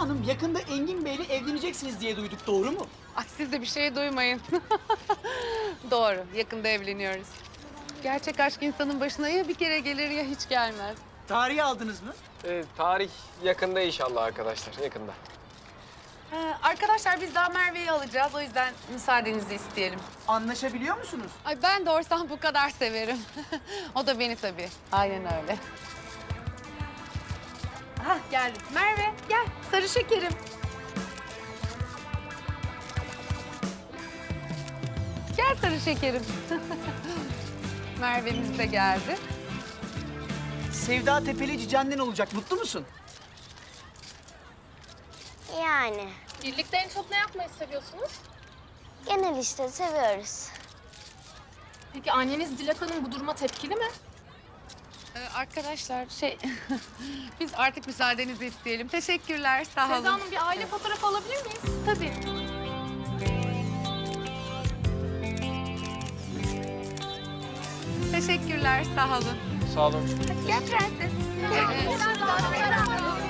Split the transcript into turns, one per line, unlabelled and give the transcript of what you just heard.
Hanım yakında Engin Bey'le evleneceksiniz diye duyduk, doğru mu?
Ay siz de bir şey duymayın. Doğru, yakında evleniyoruz. Gerçek aşk insanın başına ya bir kere gelir ya hiç gelmez.
Tarihi aldınız mı?
Tarih yakında inşallah arkadaşlar, yakında.
Arkadaşlar biz daha Merve'yi alacağız. O yüzden müsaadenizi isteyelim.
Anlaşabiliyor musunuz?
Ay ben doğursam bu kadar severim. O da beni tabii. Aynen öyle. Hah geldim. Merve gel sarı şekerim. Gel sarı şekerim. Merve'miz de geldi.
Sevda Tepelici annen olacak, mutlu musun?
Yani
Birlikte en çok ne yapmayı seviyorsunuz?
genel işte seviyoruz.
Peki anneniz Dilek Hanım bu duruma tepkili mi?
Arkadaşlar biz artık müsaadenizi isteyelim. Teşekkürler sağ olun.
Sevda Hanım bir aile fotoğrafı alabilir miyiz?
Tabii. Teşekkürler sağ olun.
Sağ olun.
Gel prenses.